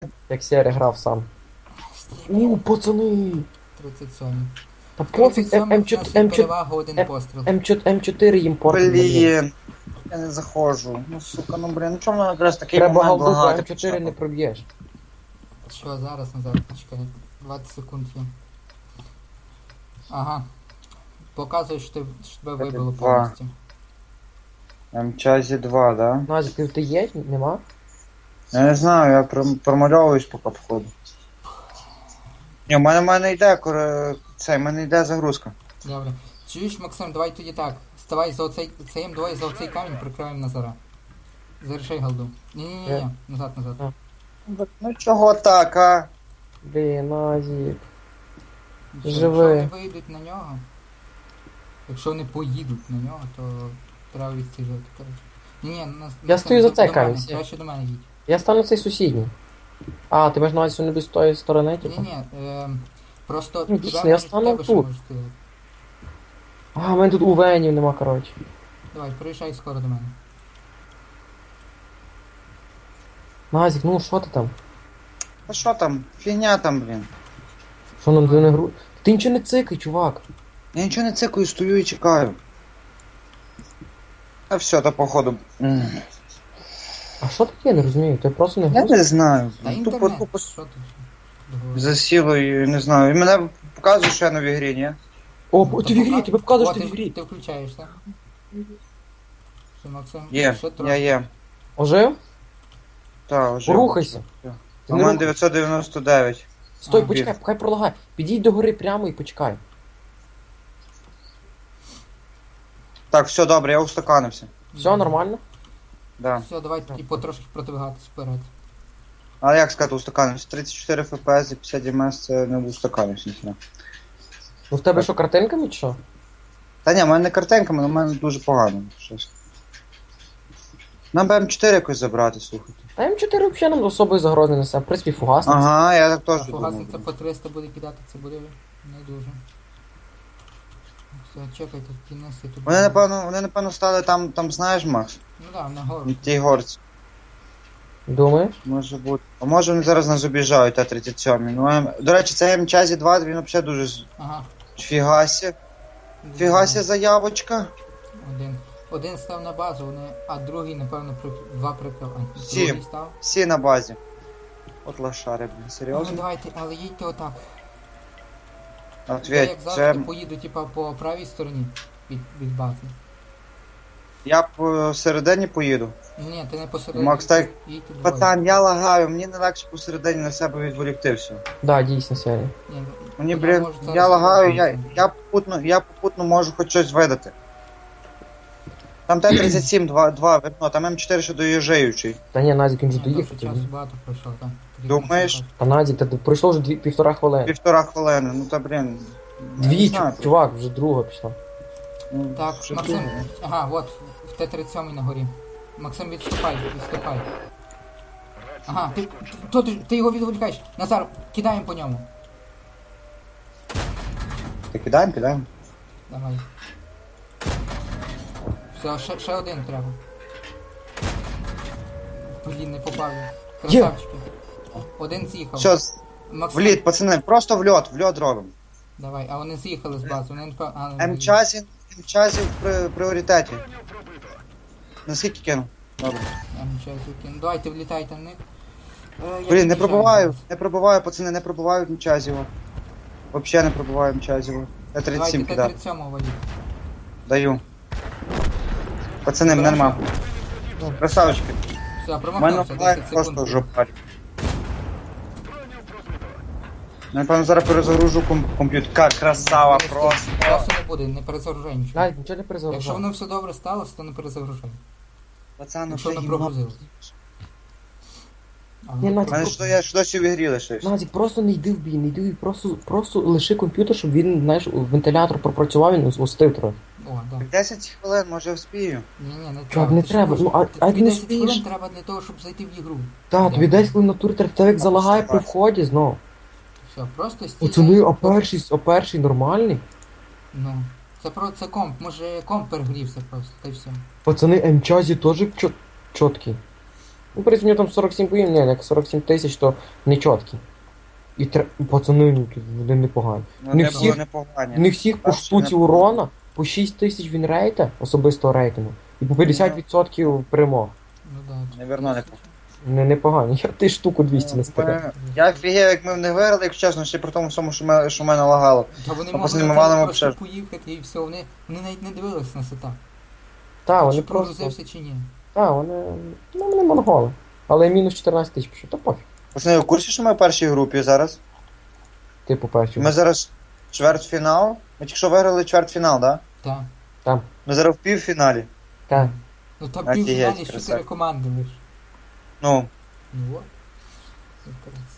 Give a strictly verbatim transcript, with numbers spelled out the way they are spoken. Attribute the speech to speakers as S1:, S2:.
S1: Як Сєрі грав сам. У, пацани!
S2: тридцять сьом.
S1: Та пофіг,
S2: тридцять сьом
S1: М
S2: у нас є
S1: чотири,
S2: перевага один постріл.
S1: М чотири їм портить.
S3: Блін. Я не заходжу. Ну сука, ну блін, ну чому мене якраз такий
S1: Треба
S3: момент
S1: голду, по
S3: лагати
S1: М чотири не
S3: почав?
S1: проб'єш.
S2: Що, зараз, назад, почекай. двадцять секунд є. Ага. Показує, що, ти, що тебе
S3: Це
S2: вибило
S3: два.
S2: повністю.
S3: М-чазі два, да?
S1: Назік, ти, ти є? Нема?
S3: Я не знаю, я пром- промальовуюсь поки входу. Ні, в мене, в мене йде, коре... це, в мене йде загрузка.
S2: Добре. Чуєш, Максим, давай тоді так. Ставай за оцей, цеєм двоє за оцей камінь, прикриваємо Назара. Зарешай голду. Ні-ні-ні,
S1: Е.
S2: назад, назад.
S1: А.
S3: Ну чого так, а?
S1: Блін, Назік.
S2: Що,
S1: Живи.
S2: Якщо вони вийдуть на нього, якщо вони поїдуть на нього, то треба відстежити, коротше. Ні-ні, нас...
S1: Я стою за цей
S2: до
S1: камінь,
S2: мене,
S1: всі.
S2: краще до мене їдь.
S1: Я стану цей сусідній. А, ти маєш на увазі, що не без тої сторони, типу?
S2: Ні-ні, ем, просто...
S1: Ну,
S2: туди
S1: дійсно, я
S2: можуть
S1: стану
S2: тебе ще
S1: тут.
S2: можуть стріляти.
S1: А, в мене тут увенів нема, коротше.
S2: Давай, приїжджай скоро до мене.
S1: Назік, ну що ти там?
S3: А що там? Фігня там, блін.
S1: Що нам ти не гру... Ти нічого не цикай, чувак.
S3: Я нічого не цикаю, стою і чекаю. А все, то походу. м,
S1: А що таке, я не розумію, ти просто не
S3: Я
S1: груз?
S3: не знаю.
S2: Та
S3: Тупо,
S2: інтернет,
S3: тупо
S2: що ти? Договори.
S3: засіло і не знаю. І мене показує, що я на в грі, ні?
S1: О,
S2: Ну,
S1: ти
S2: то
S1: в ігрі,
S2: пока-
S1: тебе вказуєш,
S2: О,
S1: ти в ігрі.
S2: Ти включаєш, так? Що, Максим?
S3: Є,
S2: Ще
S3: я
S2: трошки.
S3: є.
S1: Ожив?
S3: Так, вже.
S1: Рухайся.
S3: Все.
S1: Ти
S3: У
S1: не
S3: мене
S1: рух-
S3: дев'ятсот дев'яносто дев'ять.
S1: Стой,
S2: А,
S1: почекай,
S3: біг.
S1: хай пролагай. Підійдь до гори прямо і почекай.
S3: Так, все добре, я устаканився.
S1: Все нормально?
S3: Да.
S2: Все, давай тоді потрошки продвигатись вперед.
S3: А як сказати устаканився? тридцять чотири еф пі ес і п'ятдесят ем ес це не устаканився ніхіна.
S1: Ну в тебе що, картинками чи що?
S3: Та ні, в мене не картинками, але в мене дуже погано. Щось. Нам би М чотири якось забрати, слухайте.
S1: А М чотири взагалі нам особої загрози не несе. В принципі, фугасниця.
S3: Ага, я так
S2: А
S3: теж думав.
S2: фугасниця по триста буде кидати, це буде не дуже. Все, чекай, тут кінець і тут.
S3: Вони напевно, вони напевно стали там, там знаєш, Макс?
S2: Ну да, на гору.
S3: На тій горці.
S1: Думаєш?
S3: Може бути. А може вони зараз нас обіжають, Т тридцять сім. Ну, М- до речі, це М-чазі два, він взагалі дуже з-
S2: Ага.
S3: фігасі. Фігасі заявочка.
S2: Один. Один став на базу, вони, а другий, напевно, при... два прикрив. А,
S3: Сім.
S2: другий став.
S3: Всі на базі. От лошари, блін,
S2: Ну,
S3: серйозно?
S2: давайте, але їдьте отак. Я,
S3: Ответь,
S2: як
S3: це...
S2: завжди, поїду, типа, по правій стороні від, від бази.
S3: Я посередині поїду.
S2: Ні, ти не посередині.
S3: Макс, так,
S2: їдьте двоє.
S3: Пацан, я лагаю, мені не легше посередині на себе відволікти все.
S1: Да, дійсно, серія.
S2: Ні,
S3: Мені,
S2: я
S3: блін,
S2: можу зараз
S3: я лагаю, я,
S2: спробувати.
S3: я, попутно, я попутно можу хоч щось видати. Там Т тридцять сім два, два видно, там М чотири ще доїжджаючий.
S1: Та ні, Назік, він вже
S2: Ні,
S1: доїхав.
S2: дуже часу багато пройшло, так.
S3: Думаєш?
S1: Та Назік, та пройшло вже дві, півтора хвилини.
S3: Півтора хвилини, ну та блін. я
S1: Дві,
S3: не знаю,
S1: чу- чувак, вже друга пішла.
S3: ну,
S2: Так,
S3: що
S2: Максим,
S3: думаю.
S2: ага, от, в Т тридцять сім на горі. Максим, відступай, відступай. Ага, ти, то, ти, ти його відволікаєш. Назар, кидаємо по ньому.
S3: Та кидаємо, кидаємо.
S2: Давай. Все, ще, ще один треба. Блін, не попав. я. Красавчики. Один з'їхав.
S3: Все, з-
S2: Максим,
S3: в лід, пацани, просто в льот, в льот робимо.
S2: давай, а вони з'їхали з бази, вони не пев- а, ну,
S3: М-чазі, М-чазі в при, пріоритеті. Наскільки кину? Добре.
S2: Я нічого закину. Давайте влітайте в них. Е, я
S3: Блін, не
S2: під'їжджаю
S3: пробиваю,
S2: зараз.
S3: не пробиваю, пацани, не пробивають М-чазіво. Вообще не пробиваю М-чазіво. Т тридцять
S2: Давайте
S3: сім
S2: Т
S3: кидав.
S2: тридцять сім валіть.
S3: Даю. Пацани, мене нема. Красавчики.
S2: Все,
S3: У мене
S2: промахнувся,
S3: флаг
S2: десять
S3: просто
S2: секунд.
S3: жопарь. Я, напевно, зараз перезагружу ком комп'ютер. Как красава,
S2: Часу
S3: просто.
S2: не буде, не перезагружай нічого.
S1: Назік, нічого не
S2: Якщо
S1: перезагружай.
S2: воно все добре сталося, то не перезагружай.
S3: Пацан, ну
S2: Якщо
S3: що
S2: воно
S3: їм
S2: прогрузилось. А,
S1: Ні,
S2: ну,
S1: Надь,
S3: У мене що я ж досі в ігрі лишився.
S1: Назік, просто не йди в бій, не йди в бій, просто, просто лиши комп'ютер, щоб він, знаєш, вентилятор пропрацював, він устив трохи.
S2: О, да.
S3: десять хвилин, може вспію.
S2: Ні, ні, не
S1: Чувак,
S2: треба.
S1: не
S2: Ти
S1: треба,
S2: що,
S1: ну, а-
S2: тобі
S1: а як не
S2: десять хвилин
S1: спієш?
S2: треба для того, щоб зайти в ігру.
S1: Так, тобі десь коли на турі тебе як залагає при вході знов.
S2: Все, просто стій.
S1: Пацани, а перший, а перший нормальний?
S2: Ну, це про це комп, може комп перегрівся просто, та й все.
S1: Пацани, М-чазі теж чот, чоткий. Ну, в принципі, у нього там сорок сім боїв, ні, як сорок сім тисяч, то не чіткі. І тр... пацани, ну, тут вони непогані.
S3: Ну,
S1: Не
S3: не
S1: всіх-
S3: було непогані.
S1: Не всіх по
S3: Перші
S1: штуці
S3: не-
S1: урона, по шість тисяч він рейта, особистого рейтингу, і по п'ятдесят відсотків перемог.
S2: Ну да.
S3: Неверно, непогано.
S1: Не непогані. Я ти штуку двісті не стирав.
S3: Ми- Я офігів, як ми в них виграли, якщо чесно, ще при тому всьому, що, ми, що мене лагало.
S2: Та вони
S3: А
S2: могли
S3: пацани, ми
S2: на
S3: валимо
S2: тебе просто
S3: ще.
S2: поїхати і все, вони, вони навіть не дивились на сета.
S1: Та,
S2: Чи
S1: вони просто.
S2: прогрузився чи ні.
S1: Та, вони. Ну, вони монголи. Але мінус чотирнадцять тисяч пішов, то пофіг.
S3: Пацани, ви в курсі, що ми в першій групі зараз?
S1: Типу перші.
S3: Ми зараз чвертьфінал. Ми тільки що виграли чвертьфінал, так? Да?
S2: Так.
S3: Ми зараз в півфіналі.
S1: Та.
S2: Ну там
S3: Офігеть,
S2: півфіналі
S3: красавчик.
S2: чотири команди лиш.
S3: Ну,
S2: Ну от. Якраз.